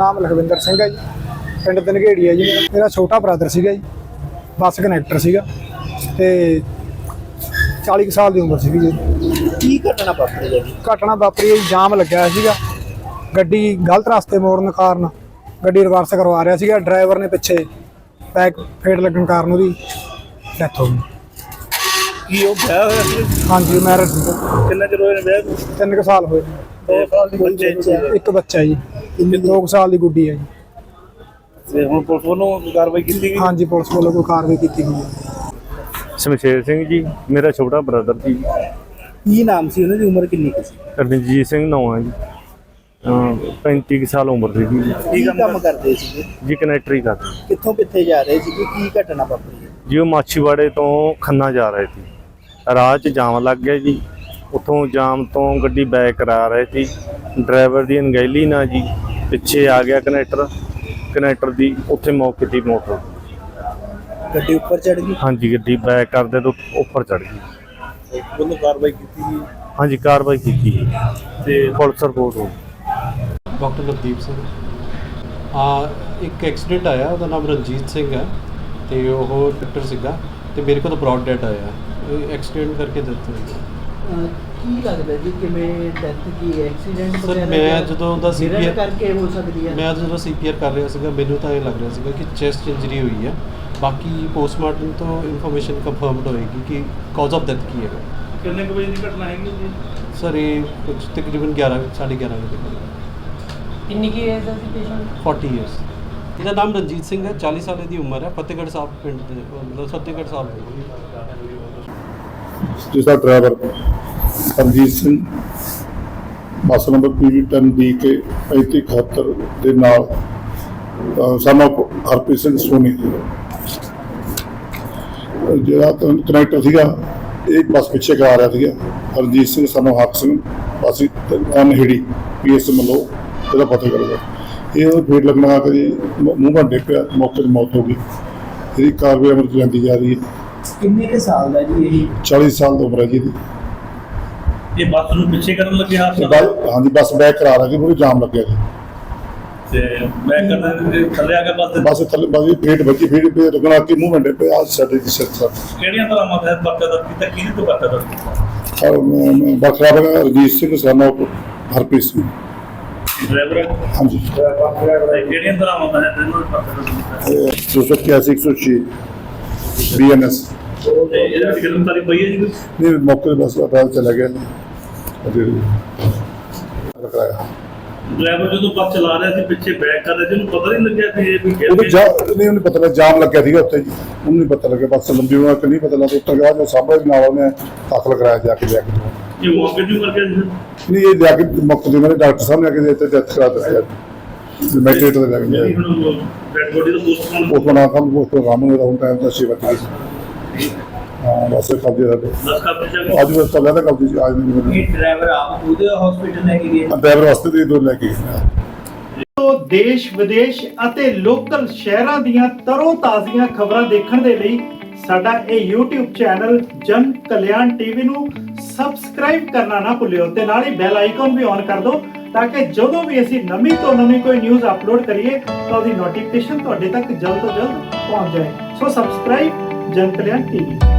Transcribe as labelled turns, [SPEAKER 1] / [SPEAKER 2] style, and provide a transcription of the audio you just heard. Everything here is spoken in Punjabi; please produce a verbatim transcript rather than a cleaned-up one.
[SPEAKER 1] नाम लखविंदर सिंह है जी, पिंड धनगेड़ी है जी। मेरा छोटा ब्रदर सीगा जी, बस कनैक्टर सीगा ते चाली साल की उम्र सी जी।
[SPEAKER 2] की घटना वापरी है जी?
[SPEAKER 1] घटना वापरी है जी, जाम लग्या सीगा, गड्डी गलत रास्ते मोड़न कारण गड्डी रिवर्स करवा रहा सीगा, ड्राइवर ने पिछे बैक फेट लगन कारण उसकी डैथ हो गई।
[SPEAKER 2] की वो ब्याह होया सी?
[SPEAKER 1] हाँ जी, मैरिज
[SPEAKER 2] कितना चिर होया ब्याह नूं?
[SPEAKER 1] तीन कुछ साल होए।
[SPEAKER 2] दो साल दी बच्चे
[SPEAKER 1] एक बच्चा है जी, दो कुछ साल की गुड्डी है जी।
[SPEAKER 2] ते हुण पुलिस ਵੱਲੋਂ कार्रवाई की गई?
[SPEAKER 1] हाँ जी, पुलिस वालों को कार्रवाई की गई है।
[SPEAKER 3] शमशेर सिंह जी मेरा छोटा ब्रदर जी।
[SPEAKER 2] की नाम सी उन्हां दी उम्र किन्नी क सी?
[SPEAKER 3] रਣਜੀਤ ਸਿੰਘ नाम है जी, पैंती कुछ साल उम्र थी जी।
[SPEAKER 2] की काम करदे सी
[SPEAKER 3] जी कनैक्टरी करते
[SPEAKER 2] कित्थों कित्थे जा रहे सी? की घटना वापरी है
[SPEAKER 3] जी। वो माछीवाड़े तो खन्ना जा रहे थे, राह च जाम लग गया जी। उतों जाम तो गड्डी बैक करा रहे थे, ड्राइवर की अनगहली ना जी पिछे आ गया कनैक्टर, कनैक्टर की उत्थे मौके की मौत हो गई।
[SPEAKER 2] गड्डी ऊपर चढ़ गई?
[SPEAKER 3] हाँ जी, गड्डी बैक करते तो उपर चढ़ गई।
[SPEAKER 2] ਉਹਨੂੰ ਕਾਰਵਾਈ ਕੀਤੀ ਗਈ
[SPEAKER 3] हाँ जी, कार्रवाई की गई
[SPEAKER 2] ਤੇ
[SPEAKER 3] पुलिस रिपोर्ट हो गई।
[SPEAKER 4] ਡਾਕਟਰ ਨਵਦੀਪ ਸਿੰਘ ਆ ਇੱਕ ਐਕਸੀਡੈਂਟ ਆਇਆ, ਉਹਦਾ ਨਾਮ ਰਣਜੀਤ ਸਿੰਘ ਹੈ ਤੇ ਉਹ ਡਾਕਟਰ ਸੀਗਾ ਤੇ ਮੇਰੇ ਕੋਲ ਬ੍ਰੌਡ ਡੈਟ ਆਇਆ, ਐਕਸੀਡੈਂਟ ਕਰਕੇ ਡੈਥ ਹੋਈ।
[SPEAKER 5] ਕੀ ਲੱਗਦਾ ਜੀ ਕਿਵੇਂ ਡੈਥ ਕੀ ਐਕਸੀਡੈਂਟ
[SPEAKER 4] ਸਰ ਮੈਂ ਜਦੋਂ ਉਹਦਾ ਸੀਪੀਆਰ
[SPEAKER 5] ਕਰਕੇ ਹੋ ਸਕਦੀ ਹੈ?
[SPEAKER 4] ਮੈਂ ਜਦੋਂ ਸੀਪੀਆਰ ਕਰ ਰਿਹਾ ਸੀਗਾ ਮੈਨੂੰ ਤਾਂ ਇਹ ਲੱਗ ਰਿਹਾ ਸੀਗਾ ਕਿ ਚੈਸਟ ਇੰਜਰੀ ਹੋਈ ਹੈ। ਬਾਕੀ ਪੋਸਟਮਾਰਟਮ ਤੋਂ ਇਨਫੋਰਮੇਸ਼ਨ ਕੰਫਰਮਡ ਹੋਏਗੀ ਕਿ ਕਾਜ਼ ਆਫ ਡੈਥ ਕੀ ਹੈਗਾ।
[SPEAKER 2] ਕਿੰਨੇ ਕੁ ਵਜੇ ਦੀ ਘਟਨਾ ਹੈਗੀ ਜੀ?
[SPEAKER 4] ਸਰ ਇਹ ਕੁਝ ਤਕਰੀਬਨ ਗਿਆਰਾਂ ਸਾਢੇ ਗਿਆਰਾਂ ਵਜੇ ਤੱਕ।
[SPEAKER 5] ਕਿੰਨੀ ਕੀ ਏਜ ਹੈ ਸੀ ਪੇਸ਼ੈਂਟ?
[SPEAKER 4] ਚਾਲੀ ਇਅਰਸ। ਇਹਦਾ ਨਾਮ ਰਣਜੀਤ ਸਿੰਘ ਹੈ, ਚਾਲੀ ਸਾਲ ਦੀ ਉਮਰ ਹੈ, ਫਤਿਹਗੜ੍ਹ ਸਾਹਿਬ ਪਿੰਡ ਦੇ, ਮਤਲਬ ਫਤਿਹਗੜ੍ਹ ਸਾਹਿਬ
[SPEAKER 6] जिसका driver Ranjit Singh bus number P V ਦਸ ਡੀ ਕੇ ਪੈਂਤੀ ਇਕਹੱਤਰ ਦੇ ਨਾਲ ਸਾਨੂੰ ਹਰਪ੍ਰੀਤ ਸਿੰਘ ਸੋਨੀ ਜਿਹੜਾ ਕਨੈਕਟਰ ਸੀਗਾ, ਇਹ ਬੱਸ ਪਿੱਛੇ ਕਰਾ ਰਿਹਾ ਸੀਗਾ। ਰਣਜੀਤ ਸਿੰਘ ਸਾਨੂੰ ਹੱਕ ਸਿੰਘ ਅਸੀਂ ਅਨਹਿੜੀ ਪੀ ਐਸ ਮਲੋ ਇਹਦਾ ਪਤਾ ਕਰਦਾ, ਇਹ ਫੇਰ ਲੱਗਣਾ ਕਿ ਮੂੰਹ ਭੰਡੇ ਪਿਆ, ਮੌਕੇ 'ਤੇ ਮੌਤ ਹੋ ਗਈ। ਇਹਦੀ ਕਾਰਵਾਈ ਅਮਲ 'ਚ ਜਾਂਦੀ ਜਾ ਰਹੀ ਹੈ।
[SPEAKER 5] ਕਿੰਨੇ ਕੁ ਸਾਲ ਦਾ ਜੀ ਇਹ?
[SPEAKER 6] ਚਾਲੀ ਸਾਲ ਦੀ ਉਮਰ ਹੈ ਜੀ ਇਹਦੀ।
[SPEAKER 2] ਇਹ ਬੱਸ ਨੂੰ ਪਿੱਛੇ ਕਰਨ ਲੱਗੇ ਹਾਦਸਾ?
[SPEAKER 6] ਹਾਂਜੀ, ਬੱਸ ਬੈਕ ਕਰਾ ਰਹੀ ਪੂਰੀ ਜਾਮ ਲੱਗਿਆ ਜੀ
[SPEAKER 2] ਤੇ ਮੈਂ ਕਰਦੇ ਥੱਲੇ ਆ ਕੇ ਬੱਸ ਦੇ
[SPEAKER 6] ਬੱਸ ਥੱਲੇ ਬੱਸ ਫੇਟ ਵੱਜੀ, ਫੇਟ ਪੇ ਰੁਕਣਾ ਕਿ ਮੂੰਹ ਮੰਡੇ ਪੇ ਆ ਸਾਡੇ ਦੀ ਸਿਰ ਸਰ
[SPEAKER 2] ਕਿਹੜੀਆਂ ਤਰ੍ਹਾਂ ਮਤ ਬੱਕਾ ਦਾ ਕੀਤਾ ਕਿਹਦੇ ਤੋਂ ਬੱਕਾ ਦਾ?
[SPEAKER 6] ਔਰ ਬਖਰਾ ਬਗਾ ਰਣਜੀਤ ਸਿੰਘ ਸਾਨੂੰ ਹਰਪ੍ਰੀਤ ਸਿੰਘ
[SPEAKER 2] ਡਰਾਈਵਰ?
[SPEAKER 6] ਹਾਂਜੀ,
[SPEAKER 2] ਕਿਹੜੀਆਂ ਤਰ੍ਹਾਂ ਮਤ ਹੈ ਤੈਨੂੰ ਬੱਕਾ ਦਾ?
[SPEAKER 6] ਦੋ ਸੌ ਇਕਿਆਸੀ ਇੱਕ ਸੌ ਛੇ ਬੀ ਐਨ ਐਸ।
[SPEAKER 2] ਤੇ ਇਹਦੇ ਵਿੱਚ ਗ੍ਰਿਫਤਾਰੀ ਪਈ ਹੈ ਜੀ ਕੋਈ?
[SPEAKER 6] ਨਹੀਂ, ਮੌਕੇ 'ਤੇ ਬੱਸ ਅਦਾਲਤ ਚਲਾ ਗਿਆ ਰਖਾਇਆ।
[SPEAKER 2] ਡਰਾਈਵਰ ਜਦੋਂ ਬੱਸ ਚਲਾ ਰਿਹਾ ਸੀ ਪਿੱਛੇ ਬੈਕ ਕਰ ਰਿਹਾ ਸੀ, ਉਹਨੂੰ ਪਤਾ ਨਹੀਂ ਲੱਗਿਆ ਕਿ ਇਹ ਵੀ ਗਿਰ
[SPEAKER 6] ਉਹਨੂੰ ਜਾ
[SPEAKER 2] ਗਿਆ?
[SPEAKER 6] ਨਹੀਂ, ਉਹਨੂੰ ਪਤਾ ਲੱਗਾ ਜਾਮ ਲੱਗਿਆ ਸੀਗਾ ਉੱਥੇ ਜੀ, ਉਹਨੂੰ ਨਹੀਂ ਪਤਾ ਲੱਗਿਆ ਬੱਸ ਲੰਬੀ ਹੋਣਾ ਕਿ ਨਹੀਂ ਪਤਾ ਲੱਗਾ। ਉੱਤਰ ਗਿਆ ਜੋ ਸਾਹਮਣੇ ਨਾਲ ਉਹਨੇ ਦਾਖਲ ਕਰਾਇਆ ਜਾ ਕੇ ਲਿਆ ਕੇ।
[SPEAKER 2] ਇਹ ਮੌਕੇ ਦੀ ਮਰ ਗਿਆ ਜੀ?
[SPEAKER 6] ਨਹੀਂ, ਇਹ ਜਾ ਕੇ ਮੌਕੇ 'ਤੇ ਮੇਰੇ ਡਾਕਟਰ ਸਾਹਿਬ ਨੇ ਆ ਕੇ ਇੱਥੇ ਡੈਥ ਕਰਾ ਦਿੱਤੀ ਮੈਟਰੇਟ ਦੇ ਲੱਗ ਗਿਆ।
[SPEAKER 2] ਜਿਹੜੀ ਹੁਣ ਡੈਡ ਬੋਡੀ ਦਾ ਪੋਸਟਮਾਰਟਮ
[SPEAKER 6] ਉਸ ਬਣਾ ਕੰਮ ਉਸ ਤੋਂ ਕੰਮ ਹੋਇਆ ਹੁਣ ਟਾਈਮ ਦਾ ਸੇਵਾ ਕੀਤੀ। ਹਾਂ, ਬਸ ਕਬਜ਼ੇ ਦਾ
[SPEAKER 2] ਦਸ ਕਾ ਪਰਚਾ
[SPEAKER 6] ਅੱਜ ਬਸ ਤਾਂ ਲੈਦਾ ਕਬਜ਼ੇ ਸੀ, ਅੱਜ ਨਹੀਂ ਮੈਨੂੰ।
[SPEAKER 5] ਇਹ ਡਰਾਈਵਰ ਆਪ ਉਹਦੇ ਹਸਪੀਟਲ ਲੈ ਕੇ ਗਏ?
[SPEAKER 6] ਡਰਾਈਵਰ ਵਾਸਤੇ ਦੇ ਦੋ ਲੈ ਕੇ ਗਏ।
[SPEAKER 7] ਤੋਂ ਦੇਸ਼ ਵਿਦੇਸ਼ ਅਤੇ ਲੋਕਲ ਸ਼ਹਿਰਾਂ ਦੀਆਂ ਤਰੋ ਤਾਜ਼ੀਆਂ ਖਬਰਾਂ ਦੇਖਣ ਦੇ ਲਈ ਸਾਡਾ ਇਹ YouTube ਚੈਨਲ ਜਨ ਕਲਿਆਣ ਟੀਵੀ ਨੂੰ ਸਬਸਕ੍ਰਾਈਬ ਕਰਨਾ ਨਾ ਭੁੱਲਿਓ ਤੇ ਨਾਲ ਹੀ ਬੈਲ ਆਈਕਨ ਵੀ ਔਨ ਕਰ ਦਿਓ ਤਾਂ ਕਿ ਜਦੋਂ ਵੀ ਅਸੀਂ ਨਵੀਂ ਤੋਂ ਨਵੀਂ ਕੋਈ ਨਿਊਜ਼ ਅਪਲੋਡ ਕਰੀਏ ਤਾਂ ਉਹਦੀ ਨੋਟੀਫਿਕੇਸ਼ਨ ਤੁਹਾਡੇ ਤੱਕ ਜਲਦ ਤੋਂ ਜਲਦ ਪਹੁੰਚ ਜਾਏ। ਸੋ ਸਬਸਕ੍ਰਾਈਬ ਜਨ ਕਲਿਆਣ ਟੀਵੀ।